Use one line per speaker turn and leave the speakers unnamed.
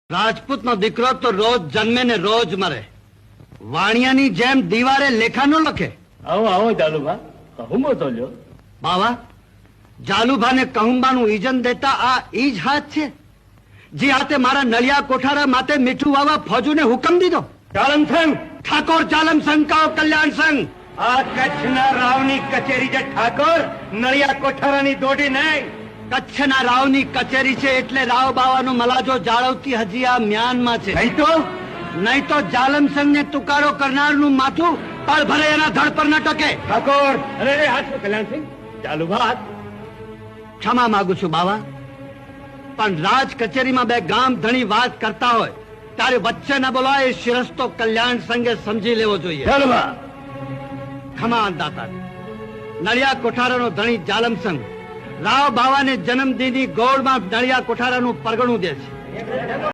રાજપૂત નો દીકરો તો રોજ જન્મે ને રોજ મરે. વાણિયાની જેમ દીવારે લેખા ન લખે.
આવો આવો જાલુભા, કહુંબો તો લ્યો.
બાવા, જાલુભાને કહુંબાનું ઈજન દેતા આ ઈ જ હાથ છે જે હાથે મારા નળિયા કોઠારા માથે મીઠું વાવા ફોજુને હુકમ દીધો.
ચાલમ સંઘ,
ઠાકોર ચાલમ સંઘ કાઓ કલ્યાણ સંઘ.
આ કચ્છના રાવની કચેરી જે ઠાકોર, નળિયા કોઠારાની દોડી નહીં.
કચ્છના રાવની કચેરી છે એટલે રાવ બાવાનો મલાજો જાળવતી હજી આ મ્યાનમાં છે. નહીં તો જાલમ સંઘ ને તુકારો કરનારનું માથું પળ ભરે એના ધડ પર ન ટકે.
ઠાકોર, અરે હાથ કલ્યાણસિંહ, જાલુભા
ક્ષમા માંગુ છું બાવા, પણ રાજ કચેરીમાં બે ગામ ધણી વાત કરતા હોય ત્યારે વચ્ચે ન બોલાય એ શિરસ્તો કલ્યાણ સંઘે સમજી લેવો જોઈએ.
જાલુભા,
ખમા દાતા. નળિયા કોઠારાનો ધણી જાલમ સંઘ રાવ બાવાને જન્મદિનની ગોળમાં નળિયા કોઠારાનું પરગણું દે છે.